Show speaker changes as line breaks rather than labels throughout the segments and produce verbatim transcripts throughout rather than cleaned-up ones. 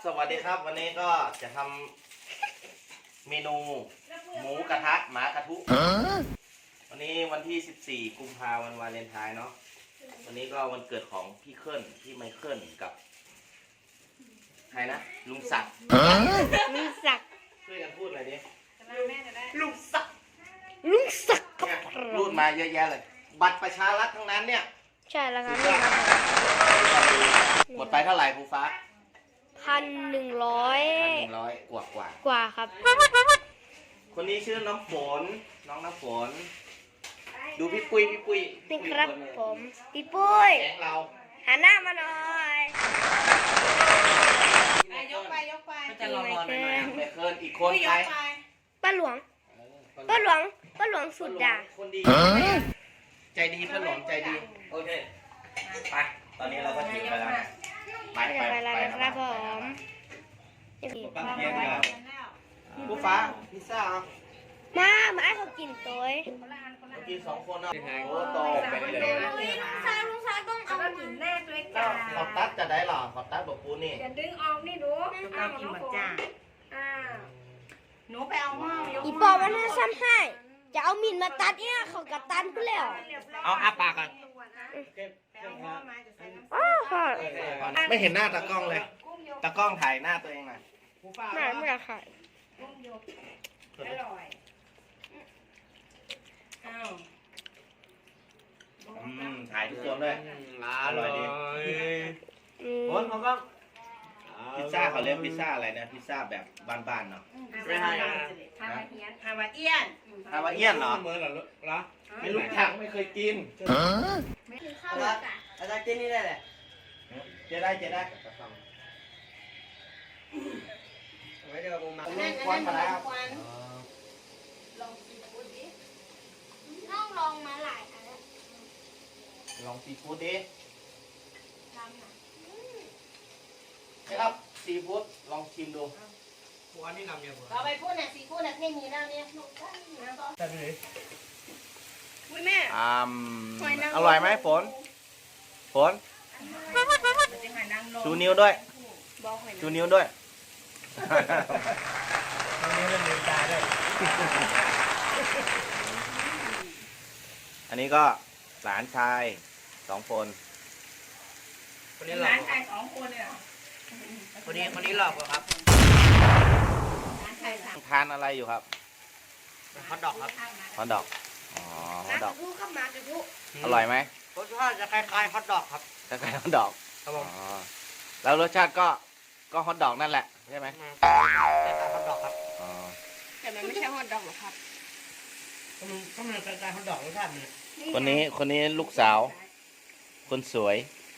สวัสดีครับวันนี้ก็จะทำเมนูหมูกระทะหมากระทุวันนี้วันที่สิบสี่กุมภาพันธ์วันวาเลนไทน์เนาะวันนี้ก็วันเกิดของพี่เคิลพี่ไมเคิลกับใครนะลุงศักดิ์
ลุงศักดิ์
ช่วยกันพูดหน่อยดิ
ลุงศักดิ์ลุงศักดิ์
เนี่ยรูดมาเยอะแยะเลยบัตรประชารัฐทั้งนั้นเนี่ย
ใช่แล้วครับ
หมดไปเท่าไหร่ภูฟ้า
พันหนึ่งร้อย
พันหนึ่งร้อยกว่ากว่าก
ว่าครับ
คนนี้ชื่อน้ำฝนน้องน้ำฝนดูพี่ปุ้ยพี่ปุ้ย
นี่ครับผมพี่ปุ้ย
แก๊งเรา
หันหน้ามาหน่อย
ยกไปยกไป
จะรอรอหน่อยไม่เคินอีกคนใคร
ป้าหลวงป้าหลวงป้าหลวงสุดด่า
คนดีใจดีป้าหลวงใจดีโอเคไปตอนนี้เราก็ถึงไปแล้วไปไปไป
ครับผม
ปั้นเทียนกันผู้ฟ้าพิซซ่า
มามาให้เขากินตัว
กินสองคนเนาะโอ้โตไปเลย
ลุงซาลุงซาต้องเอากินแน่ด้วยจ้า
ขอบตัดจะได้หรอขอบตัดบอกปูนี่
อย่าดึงออกนี่ดูเอากินหมดจ้าอ่าหนูไปเอาหม้อยก
อีปอมันน่าซ้ำให้จะเอามินมาตัดเนี่ยเขากระตันกูแล้ว
เอาอาปากก่อนไม่เห็นหน้าตากล้องเลยตากล้องถ่ายหน้าตัวเองหน่อย
หน้าไม่อยากถ่าย
อร่อยอ้าว
อืมถ่ายทุกคนด้วยอร่อยดีโอ้ยเขาก็พิซซ่าเขาเรียกพิซซ่าอะไรนะพิซซ่าแบบบ้านๆเนาะ
ไม่ใช่ฮาวาเอียนฮาวาเอียน
ฮาวาเอียนเหรอเหมือนเหรอเหรอไม่รู้จักไม่เคยกิน
ไม่กินข้าวอาจารย์
อาจารย์กินนี่ได้เลยเจ๊ได้เจ๊ได้ไม่เดี๋ยวผมมาควันมาแล้ว
ลองซีฟู้ดดิน้องลองมาหลายอันแล้ว
ลองซีฟู้ดดิ
ทำนะ
ครับซีฟู้ดลองชิมดู
หัวนี่นำเยอะเราไปพูดน่ะซีฟู้ดน่ะเท่นี้แล้วเนี่ย
แต่ไหน
อุ้ยแม่
อ่าอร่อยไหมฝนฝนชูนิ้วด้วยชูนิ้วด้วยนิ้วเล่นลืมตาด้วยอันนี้ก็หลานชายสองคน
คนนี้หลานชายสองคนเนี่ย
คนนี้คนนี้หลอกครับทานอะไรอยู่ครับฮอทดอกครับฮอทดอกอ๋อฮอทดอกอร่อยไหม
รสชาติจะคล้ายๆฮอทดอกครับ
คล้ายๆฮอทดอกครับผมแล้วรสชาติก็ก็ฮอทดอกนั่นแหละใช่ไหม
คล้ายๆฮอทดอกครับ
แต่มันไม่ใช่ฮอทดอกหรอกครับ
ก็มันก็มันคล้ายๆฮอทดอกรสชาติเนี่ย
คนนี้คนนี้ลูกสาวคนสวย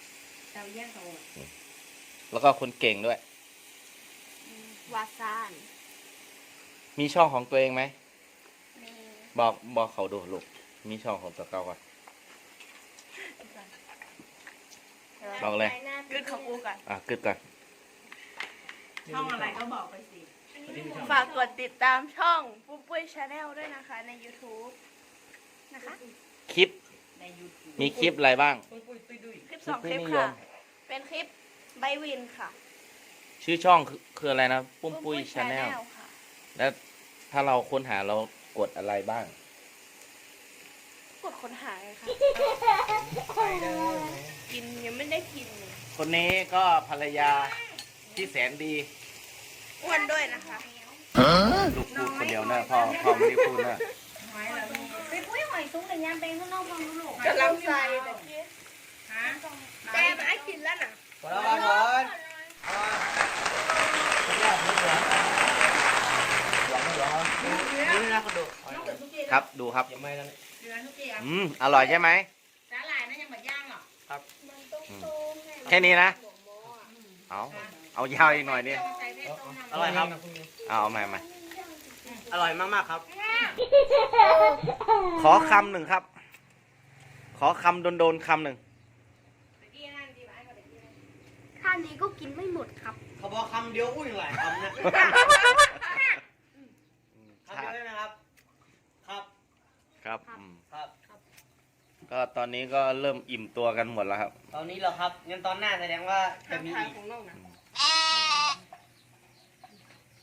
แล้วก็คนเก่งด้วย
วาซาน
มีช่องของตัวเองไหมบอกบอกเขาดูลูกมีช่องของตัวเก่าก่อนบอกเลย
กึดของกูก่อน
อ่ะกึดก่อน
ช่องอะไรก็บอกไปสิ
ฝากกดติดตามช่องปุ้ยปุ้ยชาแนลด้วยนะคะใน ยูทูบ นะคะ
คลิปมีคลิปอะไรบ้าง
คลิปสองคลิปค่ะเป็นคลิปใบวินค่ะ
ชื่อช่องคืออะไรนะปุ้มปุ้ยชาแนลแล้วถ้าเราค้นหาเรากดอะไรบ้าง
กดค้นหาเลยค่ะกินยังไม่ได้กินเลย
คนนี้ก็ภรรยาที่แสนดี
อ้วนด้วยนะคะ
ลูกพูดคนเดียวนะพ่อพ่อไม่ได้พูดนะ
ไปปุ้ยหอยซุ้งแต่ยามเป็นข้างนอกฟังลูก
กำลังใส่แต่มาให้กินแล้วน่ะ
พอแล้วครับนี่นะคุณดู
ครับดูครับอืมอร่อยใช่ไหม
สาหร่ายนั่นยังหมดย่างหรอ
ครับ
แค่นี้นะเอาเอายาวอีกหน่อยนี่
อร่อยครับ
เอาใหม่ใหม่
อร่อยมากๆครับ
ขอคำหนึ่งครับขอคำโดนๆคำหนึ่ง
ท่านนี้ก็กินไม่หมดครับ
เขาบอกคำเดียวอุ้ยหลายคำนะคำเดียวได้ไหมครับครับ
ครับ
ครับ
ก็ตอนนี้ก็เริ่มอิ่มตัวกันหมดแล้วครับ
ตอนนี้เหรอครับงั้นตอนหน้าแสดงว่าจะมีอีก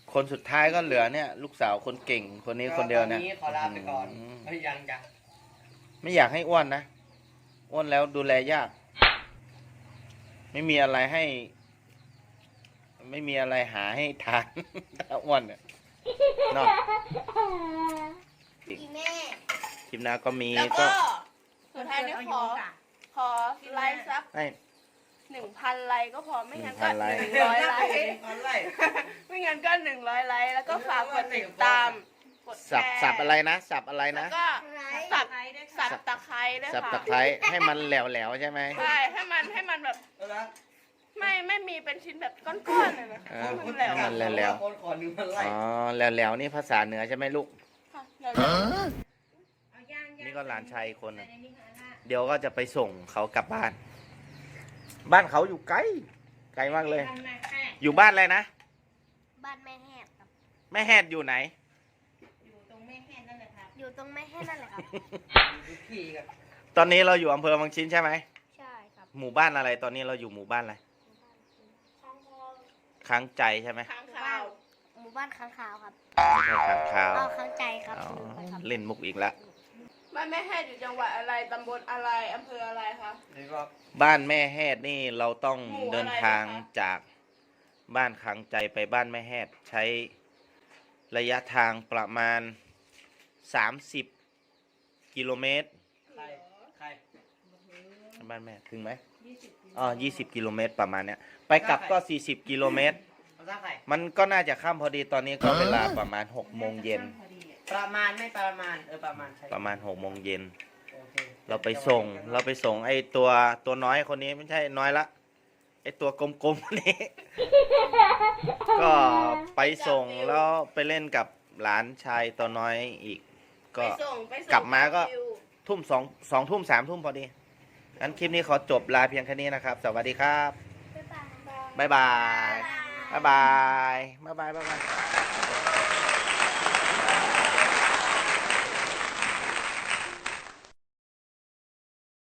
คนสุดท้ายก็เหลือเนี่ย ลูกสาวคนเก่งคนนี้คนเดียวเนี่ย
ตอขอลาไปก่อน
อืม
เฮ้ยยังจ้ะ
ไม่อยากให้อ้วนนะอ้วนแล้วดูแลยาก ไม่มีอะไรให้ ไม่มีอะไรหาให้ทาน ถ้าอ้วนเนี่ยเนาะ
อีแม่
คลิปหน้าก็มี
แล้ว
ก็
ก็สุดท้ายนี้ขอ ขอไลค์สัก
ให้
หนึ่งพันไลค์ก็พอไม่งั้นก็
หนึ่งพันไลค์
หนึ่งร้อยไลค์
อะไร
ไม่งั้นก็หนึ่งร้อยไลค์แล้วก็ฝากกดติดตามกดแช
สับ
ร์
สับอะไรนะสับอะไร
แล้
นะ
วก็สับ
ไลค์ด้วย
สั
ค่ะ
บตะไคร้ด้วย
สับ
ค่ะ
ตะไคร้ให้มันแหลวๆใช่ไหม
ใช่ให้มันให้มันแบบ
เอาละ
ไม่ไม่มีเป็นชิ้นแบบก้อนๆเลยนะคะ
เออ
ให้มันแหลว
ให้มันแหลว
คนขอหนึ่งพันไล
อ๋
ค์
อแหลวๆนี่ภาษาเหนือใช่ไหมลูก
ค่ะแหลว
เอาย่างๆ
นี่ก็หลานชายอีกคนหนึ่ง
ใส่ในนี้ค่ะนะ
เดี๋ยวก็จะไปส่งเขากลับบ้าน บ้านเขาอยู่ไกล ไกลมากเลย
ทำไมแค่
อยู่บ้านอะไรนะ
บ้านแม่แหบครับ
แม่แฮดอยู่ไหน
อยู่ตรงแม่แหบนั่นแหละครับ อยู่ตรงแม่แหบนั่นแหละครับ
พี่กับ
ตอนนี้เราอยู่อำเภอบางชิ้นใช่ไหม
ใช่ครับ
หมู่บ้านอะไร ตอนนี้เราอยู่หมู่บ้านอะไร
ข้างคาว
ค้างใจใช่ไหม
ๆค้างคาว
หมู่บ้านข้างคาวครับ
ไม่ใช่ค้างคาว
อ๋อข้างใจครับ
อ๋อ
ลืมไปครับ
เล่นมุกอีกแล้ว
บ้านแม่แฮดอยู่จังหวัดอะไรตำบลอะไรอำเภออะไรคะ
นี่ก็
บ้านแม่แฮดนี่เราต้อง
หมู่อะไร
เดินทาง
นะคะ
จากบ้านค้างใจไปบ้านแม่แฮดใช้ระยะทางประมาณสามสิบกิโลเมตร
ใครใคร
บ้านแม่ถึงไหมอ๋อยี่สิบกิโลเมตรประมาณเนี้ย ไปกลับก็สี่สิบกิโลเมตร
ภาษาใคร
มันก็น่าจะข้ามพอดีตอนนี้ก็เวลาประมาณหกโมงเย็น
ประมาณไม่ประมาณเออประมาณใช่
ประมาณหกโมงเย็น
โอเค
เราไปส่ง เราไปส่งไอ้ตัวตัวน้อยคนนี้ไม่ใช่น้อยละ ไอ้ตัวกลมๆคนนี้ ก็ไปส่งแล้วไปเล่นกับหลานชายตัวน้อยอีก ก็
ไปส่งไปส่ง
กลับมาก็
ฟิว
ทุ่มสองสองทุ่มสามทุ่มพอดี งั้นคลิปนี้ขอจบลาเพียงแค่นี้นะครับ สวัสดีครับ
บ๊ายบาย
บ๊ายบาย บ๊ายบาย บ๊ายบาย บ๊ายบาย